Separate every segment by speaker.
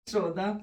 Speaker 1: Що, да?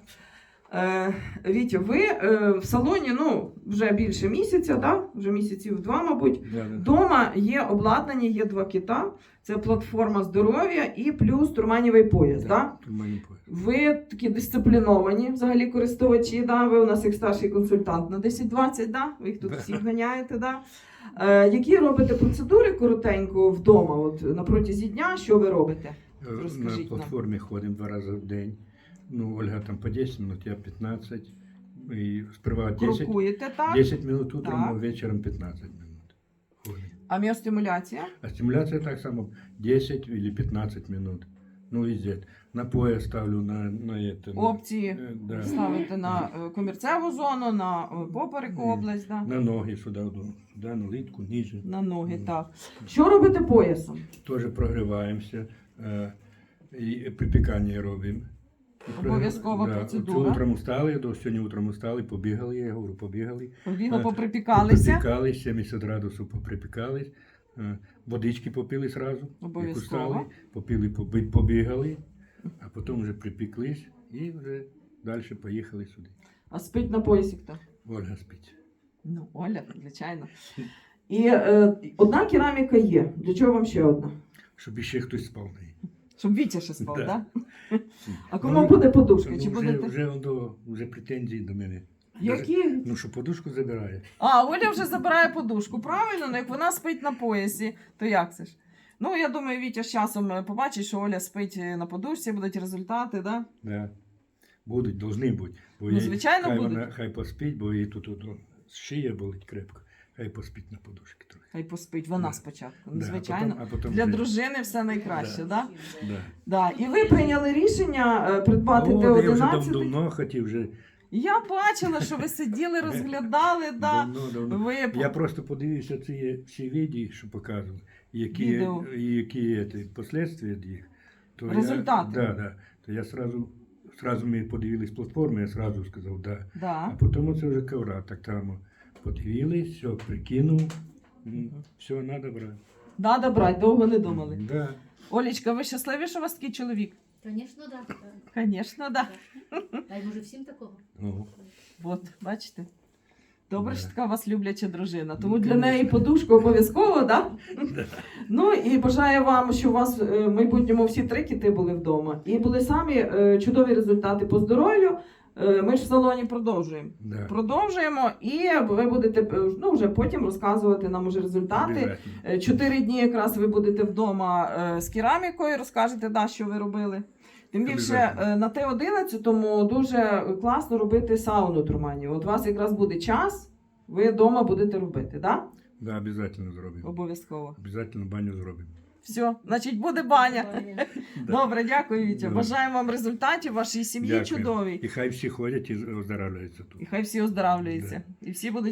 Speaker 1: Вітя, ви в салоні вже більше місяця, да? Вже місяців 2, мабуть. Дома є обладнання, є 2 кита. Це платформа здоров'я і плюс турманівий пояс. Да?
Speaker 2: Турманівий пояс.
Speaker 1: Ви такі дисципліновані взагалі користувачі, да? Ви у нас як старший консультант на 10-20, да? Ви їх тут всіх ганяєте. Да? Які робите процедури коротенько вдома, от, на протязі дня, що ви робите?
Speaker 2: На платформі ходимо 2 рази в день. Ольга там по 10 минут, я 15. І сперва 10,
Speaker 1: Крокуєте, так?
Speaker 2: 10 минут утром,
Speaker 1: Так.
Speaker 2: а вечором 15 минут. Ходим.
Speaker 1: А міостимуляція?
Speaker 2: А стимуляция так само 10 или 15 минут. Везде. На пояс ставлю, на это.
Speaker 1: Опції
Speaker 2: да.
Speaker 1: ставите на комірцеву зону, на попереку область, да?
Speaker 2: На ноги сюди, на литку, ниже.
Speaker 1: На ноги, так. Що робите поясом?
Speaker 2: Теж прогріваємося. І припікання робимо.
Speaker 1: Обов'язкова процедура.
Speaker 2: Утром устали, сьогодні утром устали, побігали, я говорю, побігали.
Speaker 1: Поприпікалися.
Speaker 2: Поприпікались, 70 градусів поприпікались. Водички попили зразу.
Speaker 1: Обов'язково.
Speaker 2: Попили, побігали, а потім вже припіклись і вже далі поїхали сюди.
Speaker 1: А спить на поясі хто?
Speaker 2: Ольга спить.
Speaker 1: Оля, звичайно. І одна кераміка є. Для чого вам ще одна?
Speaker 2: Щоб іще хтось спав на неї.
Speaker 1: Щоб Вітя ще спав, так?
Speaker 2: Да.
Speaker 1: А кому буде подушка? Чи будете?
Speaker 2: Вже претензії до мене.
Speaker 1: Які?
Speaker 2: Що подушку забирає.
Speaker 1: Оля вже забирає подушку. Правильно, як вона спить на поясі, то як це ж? Я думаю, Вітя з часом побачить, що Оля спить на подушці, будуть результати, да?
Speaker 2: Да. Будуть, повинні бути.
Speaker 1: Звичайно, будуть.
Speaker 2: Хай поспить, бо їй тут шия болить крепко. Хай поспить на подушці трохи.
Speaker 1: Хай поспить, вона спочатку.
Speaker 2: Да,
Speaker 1: Звичайно.
Speaker 2: а потім
Speaker 1: Для
Speaker 2: вже...
Speaker 1: дружини все найкраще, так? Да?
Speaker 2: Да.
Speaker 1: Да. І ви прийняли рішення придбати Т11.
Speaker 2: Я вже давно хотів вже.
Speaker 1: Я бачила, що ви сиділи, розглядали, да.
Speaker 2: Давно. Я просто подивився ці всі відео, що показували, які последствия їх.
Speaker 1: Результати.
Speaker 2: То я сразу ми подивились платформу, я сразу сказав, да.
Speaker 1: Да.
Speaker 2: А потім це вже ковра, так там подивились, все, прикинув, все, треба брати.
Speaker 1: Надо брати, довго не думали.
Speaker 2: Да.
Speaker 1: Олечка, ви щасливі, що у вас такий чоловік?
Speaker 3: Звісно, так.
Speaker 1: Звісно, так.
Speaker 3: Дай може всім такого.
Speaker 1: От, бачите? Добре, що така у вас любляча дружина. Тому для неї подушка обов'язково, так? Да? І бажаю вам, щоб у вас в майбутньому всі 3 кити були вдома. І були самі чудові результати по здоров'ю. Ми ж в салоні продовжуємо.
Speaker 2: Да.
Speaker 1: Продовжуємо, і ви будете вже потім розказувати нам уже результати. 4 дні якраз ви будете вдома з керамікою, розкажете, що ви робили. Тим більше на Т11 дуже класно робити сауну турманів. От у вас якраз буде час, ви вдома будете робити, так?
Speaker 2: Да, обов'язково зробимо.
Speaker 1: Обов'язково.
Speaker 2: Обов'язково баню зробимо.
Speaker 1: Все, значить буде баня. Добре, дякую, Вітя. Бажаємо вам результатів, вашій сім'ї чудовій.
Speaker 2: І хай всі ходять і оздоравлюються тут.
Speaker 1: І хай всі оздоравлюються. І всі будуть